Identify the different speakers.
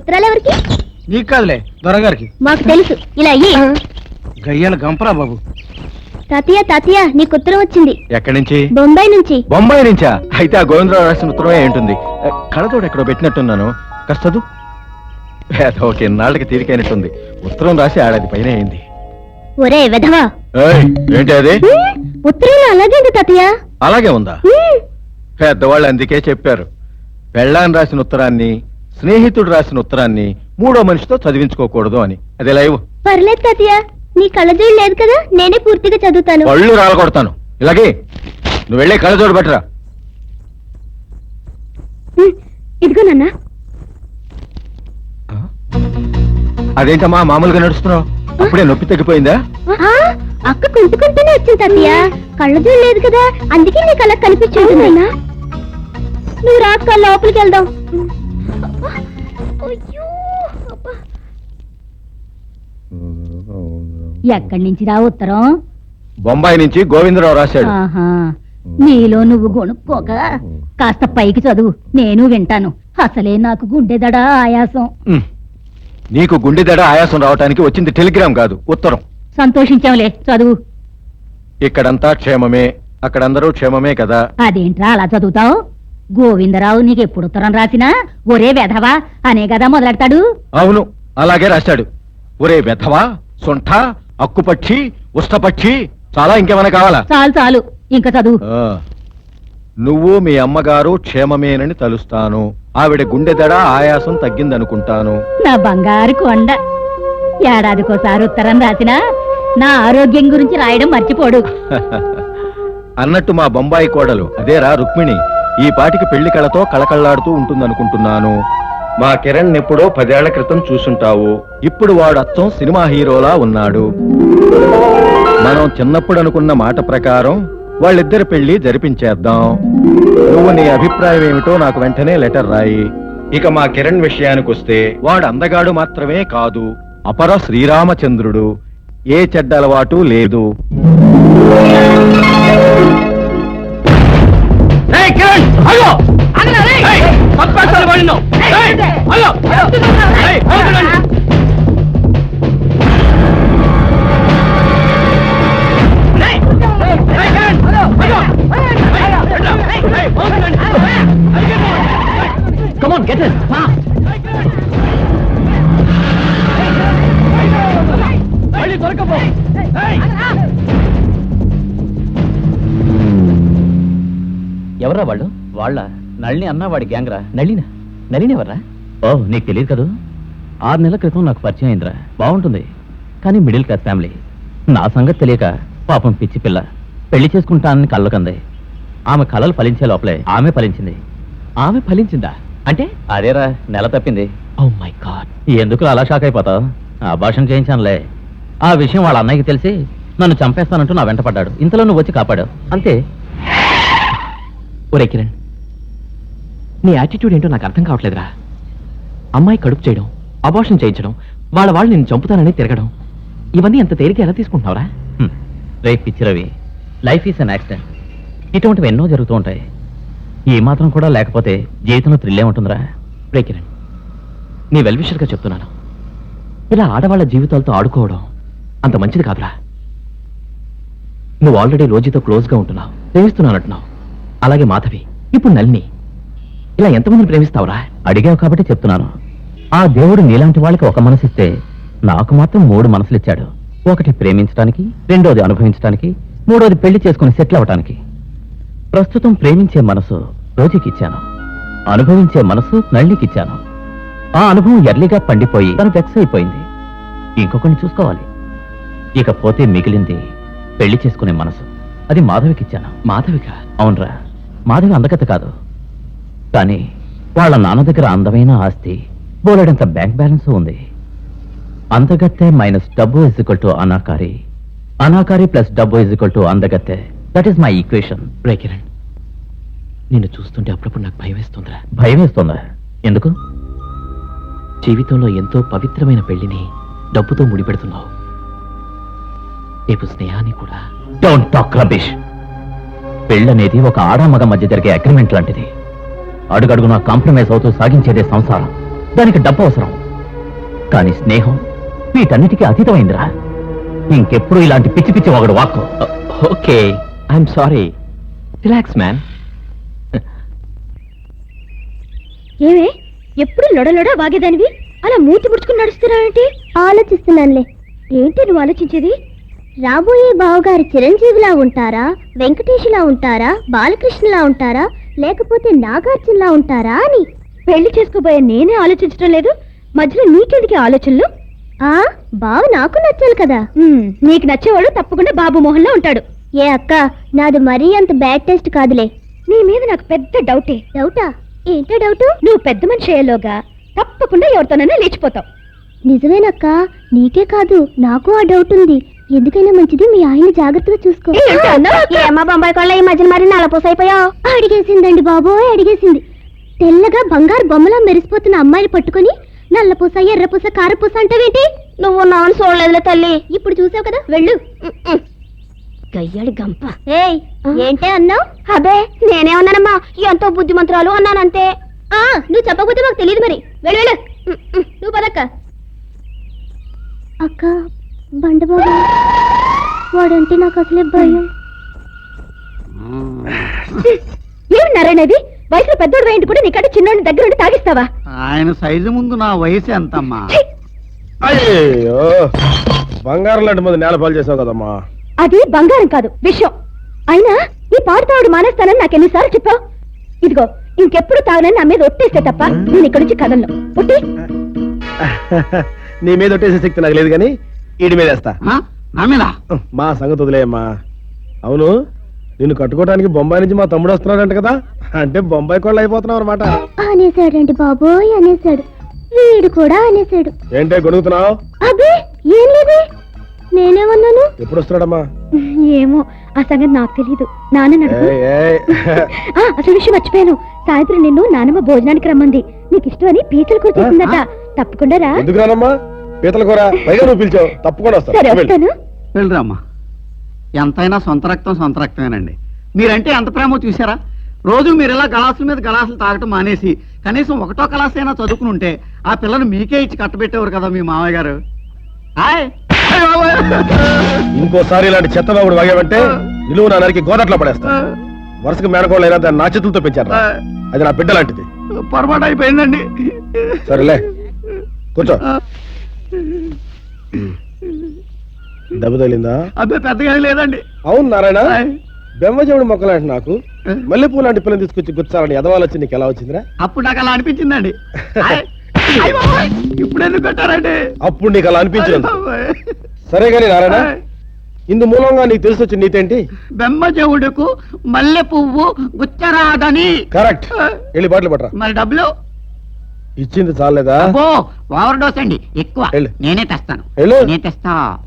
Speaker 1: ఉత్తరాలు ఎవరికి?
Speaker 2: నీకు కాదులే, దొరగారికి.
Speaker 1: మాకు తెలుసు. ఇలా అయ్యి
Speaker 2: గయ్యాల గంపరా బాబు.
Speaker 1: తాతయ్య తాతయ్య నీకు ఉత్తరం వచ్చింది.
Speaker 3: ఎక్కడి నుంచి?
Speaker 1: బొంబాయి నుంచి.
Speaker 3: బొంబాయి నుంచా? అయితే ఆ గోవిందరావు రాసిన ఉత్తరమే ఉంటుంది. కళ్ళతోడు ఎక్కడో పెట్టినట్టున్నాను. కష్టదు. ఓకే, నాళ్ళకి తీరికైనట్టుంది. ఉత్తరం రాసి ఏడాది పైన అయింది.
Speaker 1: ఒరే వెధవా,
Speaker 3: ఏంటి అది?
Speaker 1: ఉత్తరం అలాగే ఉంది తాతయ్య.
Speaker 3: అలాగే ఉందా? పెద్దవాళ్ళు అందుకే చెప్పారు, పెళ్ళాన్ని రాసిన ఉత్తరాన్ని, స్నేహితుడు రాసిన ఉత్తరాన్ని మూడో మనిషితో చదివించుకోకూడదు అని. అదే లైవ్.
Speaker 1: పర్లేదు తాతయ్య, నీ కళ్ళజోడు లేదు కదా, నేనే పూర్తిగా చదువుతాను.
Speaker 3: పళ్ళు రాలగొడతాను. ఇలాగే నువ్వు వెళ్ళే కళ్ళజోడు పట్టరా.
Speaker 1: ఇదిగో నాన్న.
Speaker 3: అదేంటమ్మా మామూలుగా నడుస్తున్నావు? అప్పుడే నొప్పి తగ్గిపోయిందా?
Speaker 1: అక్క కుంటుకుంటూనే వచ్చింది తాతయ్య. కళ్ళజోడు లేదు కదా, అందుకే నీకు అలా కనిపించుంటుందన్నా. నువ్వు రాక్క, లోపలికి వెళ్దాం.
Speaker 4: ఎక్కడి నుంచి రా ఉత్తరం?
Speaker 3: బొంబాయి నుంచి గోవిందరావు రాశాడు.
Speaker 4: నీలో నువ్వు గొనుక్కోక కాస్త పైకి చదువు, నేను వింటాను. అసలే నాకు గుండెదడా ఆయాసం.
Speaker 3: నీకు గుండెదడ ఆయాసం రావటానికి వచ్చింది టెలిగ్రామ్ కాదు, ఉత్తరం.
Speaker 4: సంతోషించాంలే, చదువు.
Speaker 3: ఇక్కడంతా క్షేమమే, అక్కడందరూ క్షేమమే కదా.
Speaker 4: అదేంట్రా అలా చదువుతావు? గోవిందరావు నీకెప్పుడు ఉత్తరం రాసినా ఒరే వెధవా అనే కదా మొదలెడతాడు.
Speaker 3: అవును, అలాగే రాశాడు. ఒరే వెధవా, సొంఠ, అక్కుపక్షి, ఉష్టపక్షి, చాలా ఇంకేమైనా కావాలా?
Speaker 4: చాలు చాలు, ఇంకా చదువు.
Speaker 3: నువ్వు మీ అమ్మగారు క్షేమమేనని తలుస్తాను. ఆవిడ గుండెదడ ఆయాసం తగ్గిందనుకుంటాను.
Speaker 4: నా బంగారు కొండ. ఏడాదికోసారి ఉత్తరం రాసినా నా ఆరోగ్యం గురించి రాయడం మర్చిపోడు.
Speaker 3: అన్నట్టు మా బొంబాయి కోడలు అదేరా రుక్మిణి ఈ పాటికి పెళ్లి కళతో కళకళ్లాడుతూ ఉంటుందనుకుంటున్నాను. మా కిరణ్ ఎప్పుడో 10 ఏళ్ల క్రితం చూసుంటావు. ఇప్పుడు వాడు అచ్చం సినిమా హీరోలా ఉన్నాడు. మనం చిన్నప్పుడు అనుకున్న మాట ప్రకారం వాళ్ళిద్దరి పెళ్లి జరిపించేద్దాం. నువ్వు నీ అభిప్రాయం ఏమిటో నాకు వెంటనే లెటర్ రాయి. ఇక మా కిరణ్ విషయానికి వస్తే వాడు అందగాడు మాత్రమే కాదు, అపర శ్రీరామచంద్రుడు. ఏ చెడ్డ అలవాటు లేదు.
Speaker 2: Come on, get it, fast.
Speaker 5: ఎవరా వాళ్ళు? వాళ్ళ నళిని అన్న వాడి గ్యాంగ్ రా. నళిని ఎవర్రా? ఓ, నీకు తెలియదు కదా. 6 నెలల క్రితం నాకు పరిచయం అయిందిరా. బాగుంటుంది, కానీ మిడిల్ క్లాస్ ఫ్యామిలీ. నా సంగతి తెలియక పాపం పిచ్చి పిల్ల పెళ్లి చేసుకుంటానని కళ్ళకంది. ఆమె కళలు ఫలించే లోపలే ఆమె ఫలించింది. ఆమె ఫలించిందా అంటే? అదేరా, నెల తప్పింది. ఓ మై గాడ్, ఎందుకు అలా షాక్ అయిపోతావు? అభాషణ చేయించానులే. ఆ విషయం వాళ్ళ అన్నయ్యకి తెలిసి నన్ను చంపేస్తానంటూ నా వెంట పడ్డాడు. ఇంతలో నువ్వు వచ్చి కాపాడావు అంతే. ఒరే కిరణ్, నీ యాటిట్యూడ్ ఏంటో నాకు అర్థం కావట్లేదురా. అమ్మాయి కడుపు చేయడం, అబార్షన్ చేయించడం, వాళ్ళు నేను చంపుతానని తిరగడం, ఇవన్నీ ఎంత తేలిక ఎలా తీసుకుంటున్నావురా? రేపు పిచ్చి Ravi, life is an accident. ఇటువంటివి ఎన్నో జరుగుతూ ఉంటాయి. ఈ మాత్రం కూడా లేకపోతే జీవితంలో థ్రిల్లే ఉంటుందిరా. రే కిరణ్, నీ వెల్విషర్గా చెప్తున్నాను, ఇలా ఆడవాళ్ళ జీవితాలతో ఆడుకోవడం అంత మంచిది కాదురా. నువ్వు ఆల్రెడీ రోజుతో క్లోజ్గా ఉంటున్నావు, ప్రేమిస్తున్నానంటున్నావు. అలాగే మాధవి, ఇప్పుడు నళిని, ఇలా ఎంతమందిని ప్రేమిస్తావురా? అడిగావు కాబట్టి చెప్తున్నాను. ఆ దేవుడు నీలాంటి వాళ్ళకి ఒక మనసిస్తే నాకు మాత్రం 3 మనసులు ఇచ్చాడు. ఒకటి ప్రేమించడానికి, రెండోది అనుభవించడానికి, మూడోది పెళ్లి చేసుకుని సెటిల్ అవ్వటానికి. ప్రస్తుతం ప్రేమించే మనసు రోజుకి ఇచ్చాను, అనుభవించే మనసు నళినికిచ్చాను. ఆ అనుభవం ఎర్లీగా పండిపోయి తను వెక్స్ అయిపోయింది. ఇంకొకరిని చూసుకోవాలి. ఇకపోతే మిగిలింది పెళ్లి చేసుకునే మనసు. అది మాధవికిచ్చాను. మాధవిక? అవునరా, మాధవి అందగత కాదు, కానీ వాళ్ళ నాన్న దగ్గర అందమైన ఆస్తి, బోలెడంత బ్యాంక్ బ్యాలెన్స్ ఉంది. అందగత్తె మైనస్ డబ్బు ఇజ్ ఈక్వల్ టు అనాకారి, అనాకారి ప్లస్ డబ్బు ఇజ్ ఈక్వల్ టు అందగత్తె. That is my equation. రే కిరణ్, నిన్ను చూస్తుంటే అప్పుడప్పుడు నాకు భయం వేస్తుందిరా. భయం వేస్తుందా? ఎందుకు? జీవితంలో ఎంతో పవిత్రమైన పెళ్లిని డబ్బుతో ముడిపెడుతున్నావు. రేపు స్నేహాన్ని కూడా. Don't talk rubbish. పెళ్ళనేది ఒక ఆడామగ మధ్య జరిగే అగ్రిమెంట్ లాంటిది. అడుగడుగునా కాంప్రమైజ్ అవుతూ సాగించేదే సంసారం. దానికి డబ్బు అవసరం. కానీ స్నేహం వీటన్నిటికీ అతీతమైందిరా. ఇంకెప్పుడు ఇలాంటి పిచ్చి పిచ్చి ఒకడు వాక్కు. Okay, I'm sorry. Relax man.
Speaker 1: ఏమే ఎప్పుడు లొడలొడ వాగేదానివి అలా మూతి ముడుచుకుని నడుస్తున్నావేంటి? ఆలోచిస్తున్నానులే. ఏంటి నువ్వు ఆలోచించేది? రాబోయే బావగారు చిరంజీవిలా ఉంటారా, వెంకటేష్లా ఉంటారా, బాలకృష్ణలా ఉంటారా, లేకపోతే నాగార్జునలా ఉంటారా అని. పెళ్లి చేసుకోబోయే నేనే ఆలోచించడం లేదు, మధ్యలో నీకెందుకు ఆలోచనలు? బావ నాకు నచ్చాలి కదా. నీకు నచ్చేవాడు తప్పకుండా బాబు మోహన్లో ఉంటాడు. ఏ అక్క, నాది మరీ అంత బ్యాడ్ టెస్ట్ కాదులే. నీ మీద నాకు పెద్ద డౌటే. డౌటా? ఏంటో డౌటు? నువ్వు పెద్ద మనిషి అయ్యేలోగా తప్పకుండా ఎవరితోనైనా లేచిపోతావు. నిజమేనక్క, నీకే కాదు నాకు ఆ డౌట్ ఉంది. ఎందుకైనా మంచిది మీ ఆయన జాగ్రత్తగా చూసుకో. ఏమ్మా బొంబాయి కొళ్ళ ఈ మధ్యన మరి నలపోసైపోయావు? అడిగేసిందండి బాబోయ్, అడిగేసింది. తెల్లగా బంగారు బొమ్మలా మెరిసిపోతున్న అమ్మాయిని పట్టుకుని నల్లపూస, ఎర్రపూస, కారపూస అంటావేంటి? నువ్వు నాన్న చూడలేదులే తల్లి. ఇప్పుడు చూసావు కదా, వెళ్ళు. గయ్యాడి గంప. ఏయ్, ఏంటే అన్నావు? అబే నేనేమన్నానమ్మా, ఎంతో బుద్ధిమంతురాలు అన్నానంతే. నువ్వు చెప్పకపోతే మాకు తెలియదు. మరి వెళ్ళు వెళ్ళు. నువ్వు పదక్క. అక్క, బండబాబు వాడంటే నాకు అసలే భయం. ఏమి నారాయణది, వయసులో పెద్దోడు వేయండి కూడా నీకంటే చిన్నోడిని దగ్గర ఉండి తాగిస్తావా?
Speaker 2: ఆయన సైజు ముందు నా వయసు ఎంతమ్మా?
Speaker 3: అయ్యో, బంగారం లాంటి మంది నేల పాలు చేసావు కదమ్మా.
Speaker 1: అది బంగారం కాదు, విషయం. అయినా ఈ పాడు తాగుడు మానేస్తానని నాకు ఎన్నిసార్లు చెప్పావు? ఇదిగో ఇంకెప్పుడు తాగనని నా మీద ఒట్టేస్తే తప్ప నేను ఇక్కడి నుంచి కదలను. ఒట్టి
Speaker 3: నీ మీద ఒట్టేసే శక్తి నాకు లేదు కానీ ఈడి మీద వేస్తా.
Speaker 2: నా మీద
Speaker 3: మా సంగతి వదిలేయమ్మా. అవును, నిన్ను కట్టుకోవడానికి బొంబాయి నుంచి మా తమ్ముడు వస్తున్నాడంట కదా, అంటే బొంబాయి కోళ్ళు అయిపోతున్నావు అనమాట.
Speaker 1: అనేసాడండి బాబోయ్, అనేసాడు. వీడు కూడా అనేసాడు.
Speaker 3: ఏంటే గొడుగుతున్నావు?
Speaker 1: అబ్బే ఏం లేదు, నేనేమన్నాను?
Speaker 3: ఎప్పుడు వస్తున్నాడమ్మా?
Speaker 1: ఏమో, ఆ సంగతి నాకు తెలీదు. నాన్న అసలు విషయం మర్చిపోయాను. సాయంత్రం నిన్ను నానమ్మ భోజనానికి రమ్మంది. నీకు ఇష్టం అని పీతల కూర చేసిందట. తప్పకుండా రా.
Speaker 3: ఎందుకు రానమ్మా? పీతల కూర పైగా నువ్వు పిలిచావు, తప్పకుండా వస్తా.
Speaker 1: సరే వస్తాను.
Speaker 2: వెళ్ళరామ్మా. ఎంతైనా సొంత రక్తమేనండి. మీరంటే ఎంత ప్రేమో చూసారా? రోజు మీరు ఇలా గలాసుల మీద గలాసులు తాగటం మానేసి కనీసం ఒకటో క్లాస్ అయినా చదువుకుని ఉంటే ఆ పిల్లను మీకే ఇచ్చి కట్టబెట్టేవారు కదా మీ మామయ్య గారు.
Speaker 3: ఇంకోసారి ఇలాంటి చెత్త బాబుడు వాగావంటే నిలువు నా నరికి గోదట్లో పడేస్తా. వరుసగా మేనకోళ్ళు అయినా దాన్ని నా చేతులతో పెంచారు. అది నా బిడ్డ లాంటిది.
Speaker 2: పొరపాటు అయిపోయిందండి.
Speaker 3: సరేలే, కూర్చో. దెబ్బ తగిలిందా?
Speaker 2: అబ్బే పెద్దగా లేదండి.
Speaker 3: అవును నారాయణ, బెమ్మజముడు మొక్కలాంటి నాకు మల్లెపూ లాంటి పిల్లని తీసుకొచ్చి గుచ్చాలని ఎదవాలు వచ్చి నీకు ఎలా వచ్చిందిరా?
Speaker 2: అప్పుడు నాకు అలా అనిపించిందండి. ఇప్పుడు ఎందుకు పెట్టారండి?
Speaker 3: అప్పుడు నీకు అలా అనిపించింది. సరే గాని నారాయణ, ఇందు మూలంగా నీకు తెలిసి వచ్చిన నీతేంటి?
Speaker 2: బెమ్మజముడుకు మల్లె పువ్వు గుచ్చరాదని.
Speaker 3: కరెక్ట్. వెళ్ళి బాటలు పట్టరా.
Speaker 2: మరి డబ్బులు
Speaker 3: ఇచ్చింది చాలేదా?
Speaker 2: ఓవర్ డోస్ అండి, ఎక్కువ.
Speaker 3: వెళ్ళు.
Speaker 2: నేనే తెస్తాను.
Speaker 3: వెళ్ళు.
Speaker 2: నేనే తెస్తా.